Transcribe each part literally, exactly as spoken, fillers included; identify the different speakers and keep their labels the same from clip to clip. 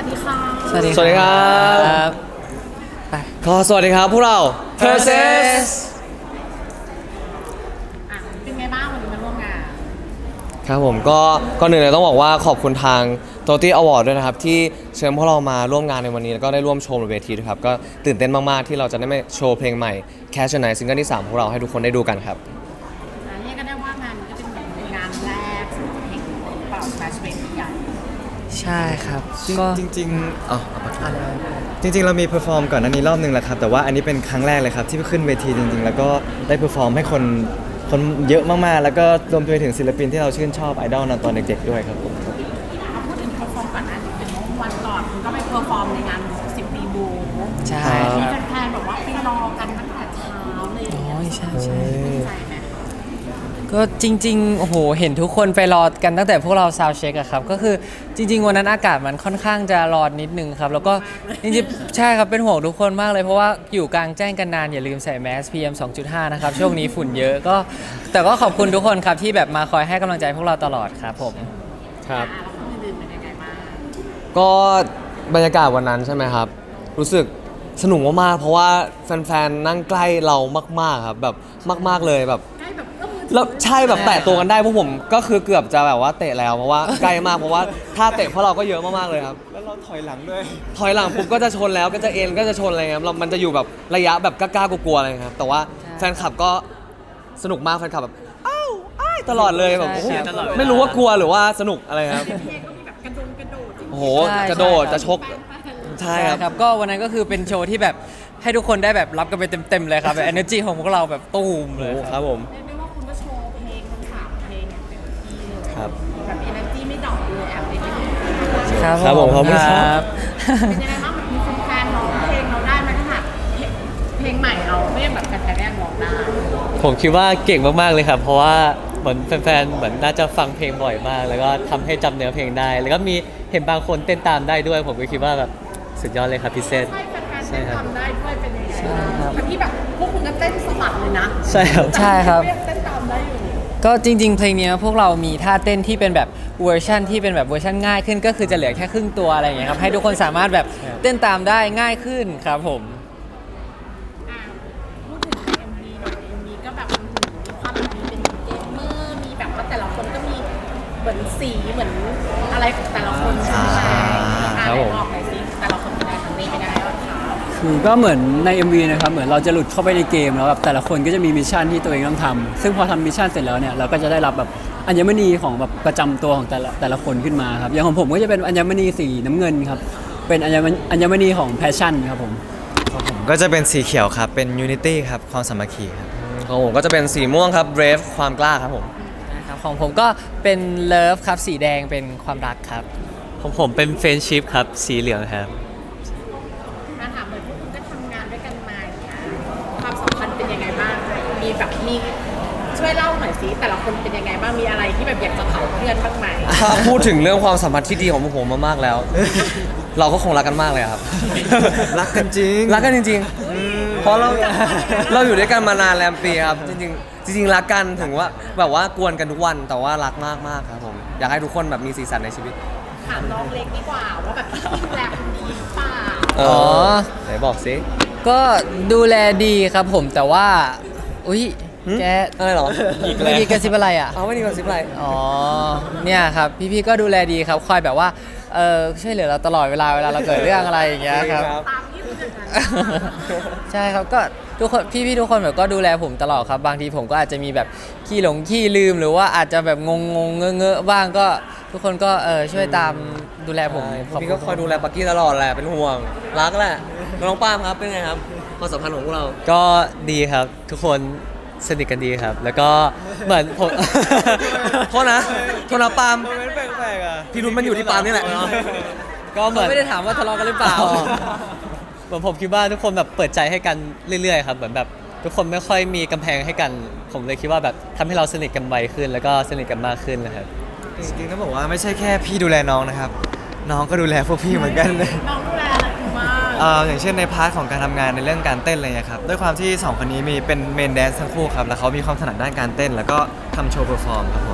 Speaker 1: ดีค่ะ
Speaker 2: สวัสดี
Speaker 3: สวัสดีครับ
Speaker 2: ไป
Speaker 3: ก็สวัสดีครับพวกเรา Perses
Speaker 1: อ่ะเป็นไงบ้างวันนี้มาร่วมงาน
Speaker 3: ครับผมก็ก่อนอื่นเลยต้องบอกว่าขอบคุณทาง โตตี้ Award ด้วยนะครับที่เชิญพวกเรามาร่วมงานในวันนี้แล้วก็ได้ร่วมโชว์บนเวทีด้วยครับก็ตื่นเต้นมากๆที่เราจะได้มาโชว์เพลงใหม่ Cash the Night ซิงเกิลที่สามของเราให้ทุกคนได้ดูกันครับ
Speaker 1: อ่ะเรียกก็ได้ว่างานนี้ก็เป็นแบบงานแรกสำหรับเพลงเป่าแฟชั่นเวทีใหญ่
Speaker 2: ใช่ครับก็
Speaker 4: จริงๆอ๋อเอาปากกาจริงๆ เรามีเพอร์ฟอร์มก่อนหน้านี้รอบหนึ่งแล้วครับ แต่ว่าอันนี้เป็นครั้งแรกเลยครับ ที่ขึ้นเวทีจริงๆ แล้วก็ได้เพอร์ฟอร์มให้คนคนเยอะมากๆ แล้วก็รวมไปถึงศิลปินที่เราชื่นชอบไอดอลตอนเด็กๆ ด้วยครับผม
Speaker 1: เอาพูดถึงเพอร์ฟอร์มก่อนนะเป็นวันก่อนคุณก็ไปเพอร์ฟอร์มในงานสิบปีบู
Speaker 2: ใช่
Speaker 1: มี
Speaker 2: ครับ
Speaker 1: แฟนๆแบบว่าไปรอกันตั้งแต่เช้าเลย
Speaker 2: อ๋อใช่ใช่
Speaker 1: ดีใจไหม
Speaker 2: ก็จริงๆโอ้โหเห็นทุกคนไปรอกันตั้งแต่พวกเราซาวเช็คอะครับก็คือจริง ๆ วันนั้นอากาศมันค่อนข้างจะร้อนนิดนึงครับแล้วก็จริงๆใช่ครับเป็นห่วงทุกคนมากเลยเพราะว่าอยู่กลางแจ้งกันนานอย่าลืมใส่แมส พี เอ็ม สองจุดห้า นะครับช่วงนี้ฝุ่นเยอะก็แต่ก็ขอบคุณทุกคนครับที่แบบมาคอยให้กำลังใจพวกเราตลอดครับผม
Speaker 3: ครับ
Speaker 1: อ่ะแล้วคนอื่นๆเป็นยังไงบ้าง
Speaker 3: ก็บรรยากาศวันนั้นใช่ไหมครับ รู้สึกสนุกมากๆเพราะว่าแฟนๆนั่งใกล้เรามากๆครับแบบมากๆเลยแบบ
Speaker 1: ใกล้แบบเอื้อมมือถือ
Speaker 3: แล้วใช่แบบแตะตัวกันได้พวกผมก็คือเกือบจะแบบว่าเตะแล้วเพราะว่าใกล้มากเพราะว่าถ้าเตะพวกเราก็เยอะมากๆเลยครับ
Speaker 4: แล้วเราถอยหลังด้วย
Speaker 3: ถอยหลังปุ๊บก็จะชนแล้วก็จะเอ็นก็จะชนอะไรครับเรามันจะอยู่แบบระยะแบบกล้าๆกลัวๆอะไรครับแต่ว่าแฟนคลับก็สนุกมากแฟนคลับแบบอ้าวอ้ายตลอดเลยแบบโอ้โหไม่รู้ว่ากลัวหรือว่าสนุกอะไรครับ
Speaker 1: เพลงก็มีแบบกระโดดกระโดดจริงๆ
Speaker 3: โอ้โห
Speaker 2: ใช่
Speaker 3: กระโดด
Speaker 2: ใช่
Speaker 3: จะชกใช่
Speaker 2: ใช่
Speaker 3: ครับ
Speaker 2: ครับก็วันนั้นก็คือเป็นโชว์ที่แบบให้ทุกคนได้แบบรับกันไปเต็มๆเลยครับแบบ energy ของพวกเราแบบตูมเลย
Speaker 3: โอ้
Speaker 2: ค
Speaker 3: ครับ รับผม
Speaker 1: เรียกได้ว่าคุณก็โชว์เพลงทั้งสามเพลงอย่างเต็มที่เลย
Speaker 3: ครับ
Speaker 1: แบบเอเนอร์จีไม่ดรอปเลยแอบไปนิดนึง
Speaker 2: ครับ
Speaker 3: ครับผมขอบคุณครับ
Speaker 1: เป็นยังไงบ้างแบบมีแฟนๆร้องเพลงเราได้ไหมถ้าหากเพลงใหม่เราไม่แบบแฟนๆแรกร้องได้
Speaker 5: ผมคิดว่าเก่งมาก ๆ เลยครับ เพราะว่าเหมือนแฟน ๆ เหมือนน่าจะฟังเพลงบ่อยมาก แล้วก็ทำให้จำเนื้อเพลงได้ แล้วก็มีเห็นบางคนเต้นตามได้ด้วย ผมก็คิดว่าแบบสุดยอดเลยครับพี่เซน
Speaker 1: ใช่แฟนๆ
Speaker 5: ใช่
Speaker 1: เต้น
Speaker 5: ครับ
Speaker 1: ตามได้ด้วยเป็นยังไงบ้างทั้งที่แบบพวกคุณก็เต้นสะบัดเลยนะ
Speaker 5: ใช่ครับ
Speaker 2: ใช่ครับ
Speaker 1: เต้นเต้นตามได้อยู่
Speaker 2: ก็จริง ๆ เพลงเนี้ยพวกเรามีท่าเต้นที่เป็นแบบเวอร์ชันที่เป็นแบบเวอร์ชันง่ายขึ้นก็คือจะเหลือแค่ครึ่งตัวอะไรอย่างเงี้ยครับให้ทุกคนสามารถแบบเต้นตามได้ง่ายขึ้นครับผม
Speaker 1: อ่ะพูดถึง เอ็ม วี หน่อย เอ็ม วี ก็แบบอื้อหือมีความแบบมีเป็นเกมเมอร์มีแบบว่าแต่ละคนก็มีเหมือนสีเหมือนอะไรของแต่ละคนใช่ไหมอ่ะ
Speaker 3: ครับผม
Speaker 1: ไหนบอกหน่อยสิแต่ละคนเป็นยังไงทางนี้เป็นยังไงบ้างคะ
Speaker 6: คือก็เหมือนใน เอ็ม วี นะครับเหมือนเราจะหลุดเข้าไปในเกมแล้วแบบแต่ละคนก็จะมีมิชชั่นที่ตัวเองต้องทำซึ่งพอทำมิชชั่นเสร็จแล้วเนี่ยเราก็จะได้รับแบบอัญมณีของแบบประจำตัวของแต่ละแต่ละคนขึ้นมาครับอย่างของผมก็จะเป็นอัญมณีสีน้ำเงินครับเป็นอัญมณีอัญมณีของแพชชั่นครับผม
Speaker 4: ของผมก็จะเป็นสีเขียวครับ เป็น Unity ครับ ความสามัคคีครับ
Speaker 3: ของผมก็จะเป็นสีม่วงครับ Brave ความกล้าครับผม
Speaker 2: นะครับของผมก็เป็นเลิฟครับสีแดงเป็นความรักครับ
Speaker 5: ของผมเป็นเฟรนชิพครับ สีเหลืองครับ
Speaker 1: มาถามเลยพวกคุณก็ทำงานด้วยกันมาอย่างเงี้ยความสัมพันธ์เป็นยังไงบ้างมีแบบมีช่วยเล่าหน่อยสิแต่ละคนเป็นยังไงบ้างมีอะไรที่แบบอยากจะเผาเพื่อนบ้างไหม
Speaker 3: ถ้าพูดถึงเรื่องความสัมพันธ์ที่ดีของพวกผมมากๆแล้ว เราก็คงรักกันมากเลยครับ
Speaker 4: รักกันจริง
Speaker 3: รักกันจริงๆ เพราะเราเราอยู่ด้วยกันมานานแรมปีครับ จริงๆ จริงๆ รักกันถึงว่าแบบว่ากวนกันทุกวันแต่ว่ารักมากมากๆครับผม อยากให้ทุกคนแบบมีสีสันในชีวิต
Speaker 1: ถามน้องเล็กดีกว่าว่าแบบพี่ดูแลคนดีหรือเปล่า
Speaker 3: เอ
Speaker 2: อ๋อ
Speaker 3: ไหนบอกสิ
Speaker 2: ก็ดูแลดีครับผมแต่ว่าอุ้ยแก
Speaker 3: อะไรเหรอ
Speaker 2: เมื่อกี้กระซิบอะไรอ่ะ
Speaker 3: เอาไม่ดีกว่าสิบไร
Speaker 2: อ๋อ เนี่ยครับพี่ๆก็ดูแลดีครับคอยแบบว่าเออช่วยเหลือเราตลอดเวลาเวลาเราเกิดเรื่องอะไรอย่างเงี้ยครับ
Speaker 1: ตามที่คุณจะทำ
Speaker 2: ใช่ครับก็ทุกคนพี่ๆทุกคนแบบก็ดูแลผมตลอดครับบางทีผมก็อาจจะมีแบบขี้หลงขี้ลืมหรือว่าอาจจะแบบงงงๆเงอะๆบ้างก็ทุกคนก็เออช่วยตามดูแลผม
Speaker 3: ใช่พี่ก็คอยดูแลปักกี้ตลอดแหละ เป็นห่วง รักแหละน้องป้ามครับ เป็นไงครับความสัมพันธ์ของพวกเรา
Speaker 5: ก็ดีครับ ทุกคนสนิทกันดีครับ แล้วก็เหมือนผม
Speaker 3: โทษนะ โทษนะปาล์ม
Speaker 4: แปลกๆอ่ะ
Speaker 3: พี่รุ้นมันอยู่ที่ปาล์มนี่แหละ
Speaker 5: ก็เหมือน
Speaker 2: ไม่ได้ถามว่าทะเลาะกันหรือเปล่า
Speaker 5: เหมือนผมคิดว่าทุกคนแบบเปิดใจให้กันเรื่อยๆครับเหมือนแบบทุกคนไม่ค่อยมีกำแพงให้กัน ผมเลยคิดว่าแบบทำให้เราสนิทกันไวขึ้น แล้วก็สนิทกันมากขึ้นนะครับ
Speaker 4: จริงๆต้องบอกว่าไม่ใช่แค่พี่ดูแลน้องนะครับ น้องก็ดูแลพวกพี่เหมือนกันเลย
Speaker 1: น้องดูแลอะไรคุณมาก
Speaker 4: เอ่ออย่างเช่นในพาร์ทของการทำงานในเรื่องการเต้นอะไรเงี้ยครับด้วยความที่สองคนนี้มีเป็นเมนแดนซ์ทั้งคู่ครับแล้วเขามีความถนัดด้านการเต้น แล้วก็ทำโชว์เพอร์ฟอร์มครับผม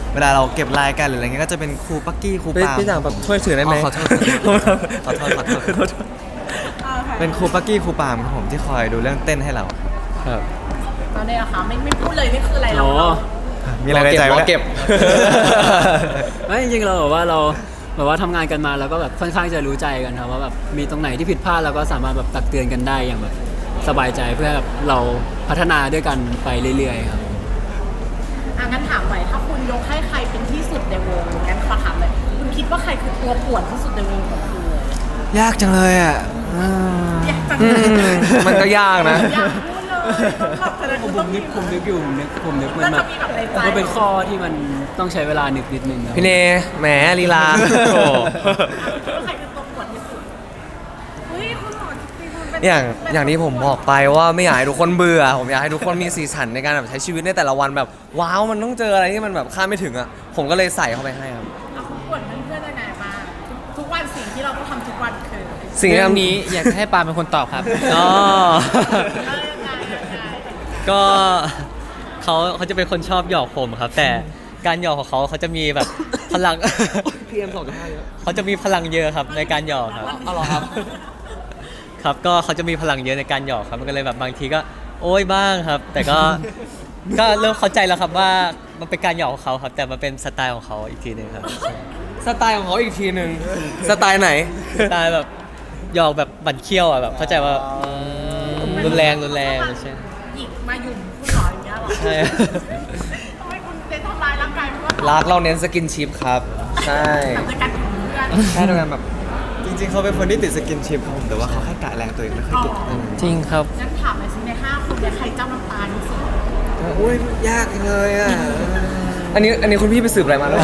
Speaker 4: เวลาเราเก็บลายกันหรืออะไรเงี้ยก็จะเป็นครูปักกี้ครู
Speaker 3: พี่
Speaker 4: ปาล์ม
Speaker 3: พี่ต่างแบบช่วยถือได้ไหม
Speaker 4: อ๋อขอโทษขอโทษขอโทษขอโทษเป็นครูปักกี้ครูปาล์มครับผมที่คอยดูเรื่องเต้นให้เรา
Speaker 3: ครับ
Speaker 1: ตอนนี้อะค่ะไม่ไม่พูดเลยนี่คืออะไรเรา
Speaker 6: อ๋อ
Speaker 1: เรา
Speaker 4: มีอะไรในใจ
Speaker 3: ร
Speaker 4: วะ
Speaker 3: อเก็บ
Speaker 6: ไม่จริงๆเราแบบว่าเราแบบว่าทำงานกันมาแล้วก็แบบค่อนข้างจะรู้ใจกันครับว่าแบบมีตรงไหนที่ผิดพลาดเราก็สามารถแบบตักเตือนกันได้อย่างแบบสบายใจเพื่อแบบเราพัฒนาด้วยกันไปเรื่อยๆครับ
Speaker 1: อ่ะงั้นถามหน่อยถ้าคุณยกให้ใครเป็นที่สุดในวงงั้นขอถามเลยคุณคิดว่าใครคือตัวป่วนที่สุดในวงของคุณเลย
Speaker 4: ยากจังเลยอ่ะอืม
Speaker 1: อยากจัง
Speaker 3: อื
Speaker 1: เลย
Speaker 3: มมันก็ยากนะ
Speaker 1: อยากพูดเลยต้องแบบแสดง
Speaker 6: ผม
Speaker 1: ต้อง
Speaker 6: นึกผมนึกอยู่ผมนึกผมนึกมัน
Speaker 1: น่า
Speaker 6: แบ
Speaker 1: จะ
Speaker 6: บ
Speaker 1: มีแบบในใจ
Speaker 6: ก็เป็นข้อที่มันต้องใช้เวลานึกนิดนึงครับ
Speaker 3: พี่เนแหมลีลาโอ้
Speaker 1: คิดว่าใครคือตัวป่วนที่สุดเฮ้ยคุณหมอจริงๆคุณเป็น
Speaker 3: อย่าง
Speaker 1: เป็น
Speaker 3: อย่างที่ผมบอกไปว่าไม่อยากให้ทุกคนเบื่อ ผมอยากให้ทุกคนมีสีสันในการแบบใช้ชีวิตในแต่ละวันแบบว้าวมันต้องเจออะไรที่มันแบบคาดไม่ถึงอ่ะผมก็เลยใส่เข้าไปให้ครับ
Speaker 1: เอาคุณป่วนเพื่อนๆยังไงบ้างทุกวันสิ่งที่เราต้องทำทุกวันคือ
Speaker 3: สิ่งที่
Speaker 2: เรื่อง
Speaker 3: ทำ
Speaker 2: นี้อยากจะให้ปาเป็นคนตอบครับ
Speaker 5: อ๋อ
Speaker 1: เออยังไงยังไง
Speaker 5: ก็เขาเขาจะเป็นคนชอบหยอกผมครับ แต่การหยอกของเขาเขาจะมีแบบพลัง
Speaker 3: พีเอ็มสองจุดห้าเยอะ
Speaker 5: เขาจะมีพลังเยอะครับในการหยอกครับ
Speaker 3: เอาเหรอครับ
Speaker 5: ครับก็เขาจะมีพลังเยอะในการหยอกครับมันก็เลยแบบบางทีก็โอ้ยบ้างครับ แต่ก็ ก็เริ่มเข้าใจแล้วครับว่ามันเป็นการหยอกของเขาครับ แต่มันเป็นสไตล์ของเขาอีกทีหนึงครับ
Speaker 3: สไตล์ของเขาอีกทีหนึ่งสไตล์ไหน
Speaker 5: สไตล์แบบหยอกแบบบั่นเคี้ยวอ่ะแบบเข้าใจว่ารุนแรงรุนแรงใช่
Speaker 1: หยิกมาหยุ่มคุณหมออย่างเงี้ยเหรอ
Speaker 5: ใช่
Speaker 1: ทำไมคุณเน้นทำร้ายร่างกายเพราะว่า
Speaker 3: รักเราเน้นสกินชิพครับ ใช่
Speaker 1: แบบในการของเพื่อน
Speaker 3: ใช่ด้วยกันแบบ
Speaker 4: จริงๆเขาเป็นคนที่ติดสกินชิพครับผมแต่ว่าเขาแค่กะแรงตัวเองไม่ค่อยเก่ง
Speaker 2: จริงครับ
Speaker 1: งั้นถามหน่อยสิในห้าคนเนี่ยใครเจ้าน้ำตาลที่สุด
Speaker 3: อุ้ยยากเลยอ่ะ อันนี้อันนี้คุณพี่ไปสืบอะไรมาแล้ว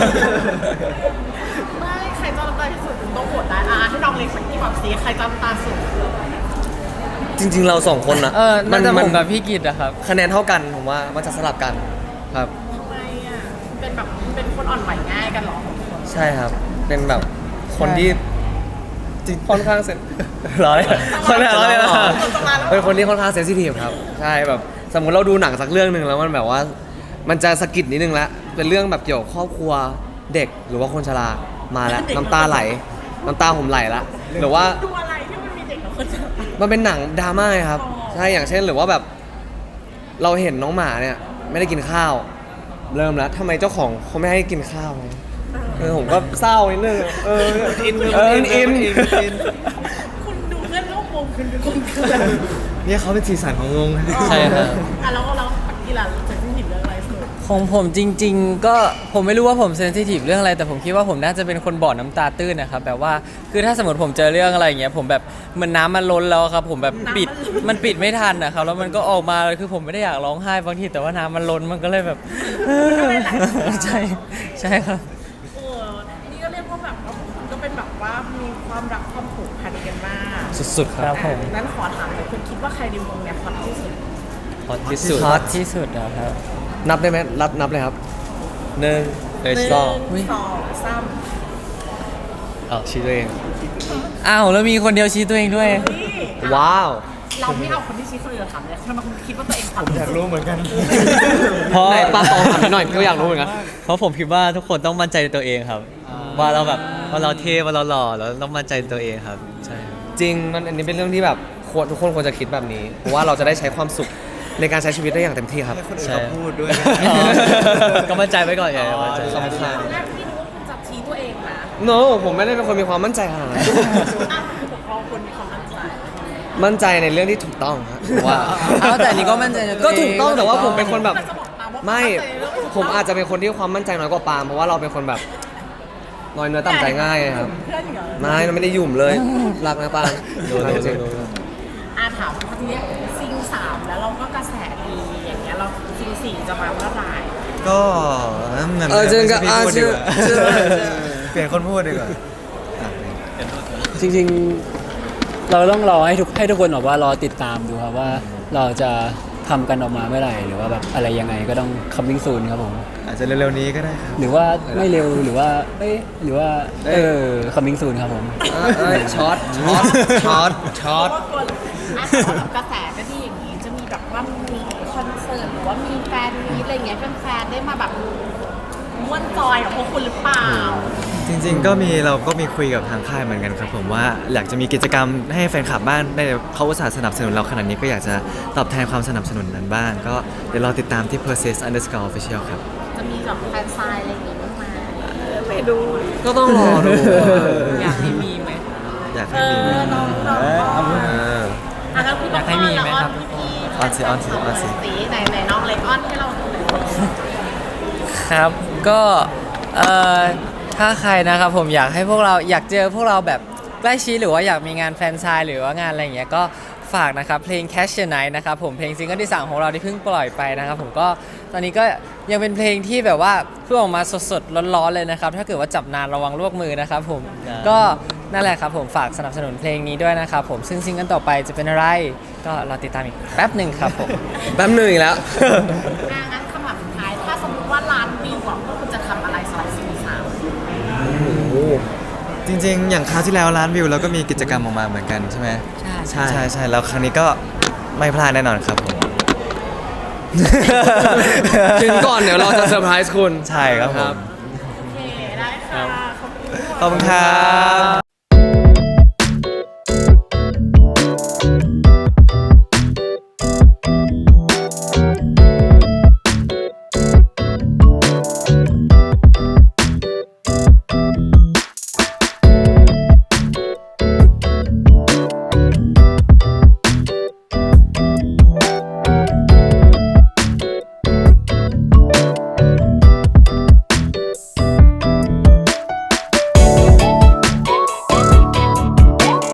Speaker 1: ไม่ใครเจ้าน้ำตาลที่สุดคุณต้องโหวตได้อ่ะให้น้องเล็กสักที่บอกสิใครเจ้าน้ำตาลสุด
Speaker 3: จริง ๆ เราสองคนนะ
Speaker 2: เออน่าจะผมกับพี่กิตอะครับ
Speaker 3: คะแนนเท่ากันผมว่ามันจะสลับกันครับ
Speaker 1: ทำไมอ่ะเป็นแบบเป็นคนอ่อนไหวง่ายกันเหรอ
Speaker 3: ใช่ครับ เป็นแบบคนที่จริงค่อนข้างเซน ร้อยค่อนข้างร้อยเลยนะเป็นคนที่ค่อนข้างเซนซิทีฟครับ ใช่แบบสมมติเราดูหนังสักเรื่องหนึ่งแล้วมันแบบว่า มันจะสะกิดนิดนึงแล้วเป็นเรื่องแบบเกี่ยวกับครอบครัวเด็กหรือว่าคนชรามาแล้วน้ำตาไหลน้ำตาผมไหลละหรือว่า
Speaker 1: ดูอะไรที่มันมีเด็กกับคนจะ
Speaker 3: มันเป็นหนังดราม่าครับ
Speaker 1: อ๋อ
Speaker 3: ใช่อย่างเช่นหรือว่าแบบ เราเห็นน้องหมาเนี่ยไม่ได้กินข้าว เริ่มแล้วทำไมเจ้าของเขาไม่ให้กินข้าวเออผมก็เศร้านิดนึงเอออินเอออินอินอิน
Speaker 1: คุณดูเพื่อนร่วมวงคุณเป็นคนเกิน
Speaker 4: เนี่ยเขาเป็นสีสันของวง
Speaker 5: ใช่ครับ
Speaker 1: อ่ะแล้วเราปักกี้ล่ะจะที่หยิบเรื่องอะไรสุด
Speaker 2: ของผมจริง ๆ ก็ผมไม่รู้ว่าผมเซนซิทีฟเรื่องอะไรแต่ผมคิดว่าผมน่าจะเป็นคนบ่อน้ำตาตื้นนะครับแบบว่าคือถ้าสมมติผมเจอเรื่องอะไรอย่างเงี้ยผมแบบเหมันน้ำมันล้นแล้วครับผมแบบปิดมันปิดไม่ทันนะครับแล้วมันก็ออกมาคือผมไม่ได้อยากร้องไห้บางทีแต่ว่าน้ำมันล้นมันก็เลยแบบ ใช่ใช่ครับ
Speaker 1: เออนี่ก็เรียกว่าแบบว่าคุณก็เป็นแบบว่ามีความรักความผูกพันกันมาก
Speaker 2: สุดๆครับผม
Speaker 1: อ่ะนั้นขอถามเลยคุณคิดว่าใครในวงเนี่ยฮอตที่สุด
Speaker 5: ฮอตที่สุด
Speaker 2: ฮอตที่สุดนะครับ
Speaker 3: นับได้ไหมรับนับเลยครับหนึ่ง
Speaker 5: เลย
Speaker 1: หนึ่ง
Speaker 5: สอง
Speaker 1: สองสาม
Speaker 5: เอาชี้ตัวเอง
Speaker 2: อ้าวแล้วมีคนเดียวชี้ตัวเองด้วย
Speaker 1: นี่
Speaker 3: ว้าว
Speaker 1: เราไม่เอาคนที่ชี้คนอื่นถามเลยทำไมคุณคิดว่าตัวเองฮอตที่
Speaker 4: อยาก
Speaker 1: สุด
Speaker 4: รู้เหมือนกัน
Speaker 5: เพราะ
Speaker 3: ไหนปาตองถามหน่อยพี่ก็อยากรู้เหมือนกัน
Speaker 5: เพราะผมคิดว่าทุกคนต้องมั่นใจในตัวเองครับ ว่าเราแบบว่าเราเท่ว่าเราหล่อแล้วต้องมั่นใจในตัวเองครับใช่ครับ
Speaker 3: จริงมันอันนี้เป็นเรื่องที่แบบควรทุกคนควรจะคิดแบบนี้ เพราะว่าเราจะได้ใช้ความสุขในการใช้ชีวิตได้อย่างเต็มที่ครับ
Speaker 4: ให้คนอื่น
Speaker 5: ใช่
Speaker 4: เขาพูดด้วย
Speaker 5: อ๋อก็มั่นใจไว้ก่อนไงมั่นใจ
Speaker 3: สำคัญ
Speaker 1: ตอนแรกพี่นึกว่าคุณจะชี้ตัวเองนะ
Speaker 3: no ผมไม่ได้เป็นคนมีความมั่นใจขนาดนั้น
Speaker 1: อ้าวผู้ปกครองคุณมีความมั่นใจ
Speaker 3: มั่นใจในเรื่องที่ถูกต้องครับว่า
Speaker 2: อ้าวแต่อันนี้ก็มั่นใจในตัว
Speaker 3: ก็
Speaker 2: เอง
Speaker 3: ถูกต้องแต่ว่าผมเป็นคนแบบ
Speaker 1: แต่จะบอกตามว่า
Speaker 3: ไม่
Speaker 1: นใจในเรื่องที่ถูก
Speaker 3: ผมอาจจะเป็นคนที่ความมั่นใจน้อยกว่าปาล์มเพราะว่าเราเป็นคนแบบน้อยเนื้อต่ำใจง่ายครับ
Speaker 1: เพื่อนเหรอ
Speaker 3: ไม่เราไม่ได้หยุ่มเลยรักนะปาล์ม
Speaker 5: โดนโดน
Speaker 3: จริง
Speaker 5: โดน
Speaker 1: อาถามทีเนี้ยซิงสามแล้วเราก็กระแสดีอย่างเงี้ยเราซิงสี่จะมาเมื่อไหร่
Speaker 4: ก็งั้น
Speaker 3: เออเจอกัน
Speaker 4: ไม่ใช่พี่พูดดีกว่า
Speaker 3: เจอเจอเจอ
Speaker 4: เปลี่ยนคนพูดดีกว่า
Speaker 6: จริงๆ เราต้องรอให้ทุกให้ทุกคนแบบว่ารอติดตามดูครับว่าเราจะทำกันออกมาเมื่อไหร่หรือว่าแบบอะไรยังไงก็ต้อง coming soon ครับผม
Speaker 4: อาจจะเร็วๆนี้ก็ได้ครับ
Speaker 6: หรือว่าไม่เร็วหรือว่าเอ้ยหรือว่าเออ coming soon ครับผม
Speaker 3: เออเออช็อตช็อตช็อตช็อต
Speaker 1: เพราะว่าคนอ่ะสำหรับกระแสก็ดีอย่างนี้จะมีแบบว่ามีคอนเสิร์ตหรือว่ามีแฟนมีอะไรเงี้ยแฟนๆได้มาแบบม่วนจอยกับพวกคุณหรือเปล่า
Speaker 4: จริงๆ ก็มีเราก็มีคุยกับทางค่ายเหมือนกันครับผมว่าอยากจะมีกิจกรรมให้แฟนคลับบ้านได้เขาอุตส่าห์สนับสนุนเราขนาดนี้ก็อยากจะตอบแทนความสนับสนุนนั้นบ้าง ก็เดี๋ยวรอติดตามที่ persist underscore official ครับ
Speaker 1: จะมีแบบแฟนไซน์อะไรอย่างงี้บ้างไหม
Speaker 4: ไม่ดู
Speaker 3: ก็ต้องรอดู
Speaker 2: อยากให้มีไหม
Speaker 4: อยาก
Speaker 1: เอ
Speaker 4: ให้มีไหม
Speaker 1: อน้องน้อง
Speaker 4: เออ
Speaker 1: อ่ะแล้วพี่
Speaker 2: อยากให้มีไหมครับ
Speaker 1: พี่
Speaker 4: ออนสิออนสิออนสิ
Speaker 1: สีไหนไหนน้องเล็กออนให้เราดูหน่อย
Speaker 2: ครับก็เอ่อถ้าใครนะครับผมอยากให้พวกเราอยากเจอพวกเราแบบใกล้ชิดหรือว่าอยากมีงานแฟนซายหรือว่างานอะไรอย่างเงี้ยก็ฝากนะครับเพลง Catch the Night นะครับผมเพลงซิงเกิลที่สามของเราที่เพิ่งปล่อยไปนะครับผมก็ตอนนี้ก็ยังเป็นเพลงที่แบบว่าเพิ่งออกมาสดๆร้อนๆเลยนะครับถ้าเกิดว่าจับนานระวังลวกมือนะครับผมก็นั่นแหละครับผมฝากสนับสนุนเพลงนี้ด้วยนะครับผมซึ่งซิงเกิลต่อไปจะเป็นอะไรก็รอติดตามอีกแป๊บหนึ่งครับผม
Speaker 3: แป๊บหนึ่งอีกแล้ว
Speaker 1: อ่ะงั้นคำถามสุดท้ายถ้าสมมติว่าล้านวิวอ่ะพวกคุณจะทำอะไรสำหรับซีรีส์สาม
Speaker 4: จริงๆ อย่างคราวที่แล้วล้านวิวเราก็มีกิจกรรมออกมาเหมือนกันใช่ไหม
Speaker 2: ใช่
Speaker 4: ใช่ใช่ใช่แล้วครั้งนี้ก็ไม่พลาดแน่นอนครับผม
Speaker 3: ถึงก่อนเดี๋ยวเราจะเซอร์ไพรส์คุณ
Speaker 4: ใช่ครับผม
Speaker 1: โอเคได้ค่ะขอบคุณ
Speaker 4: ขอบคุณครับ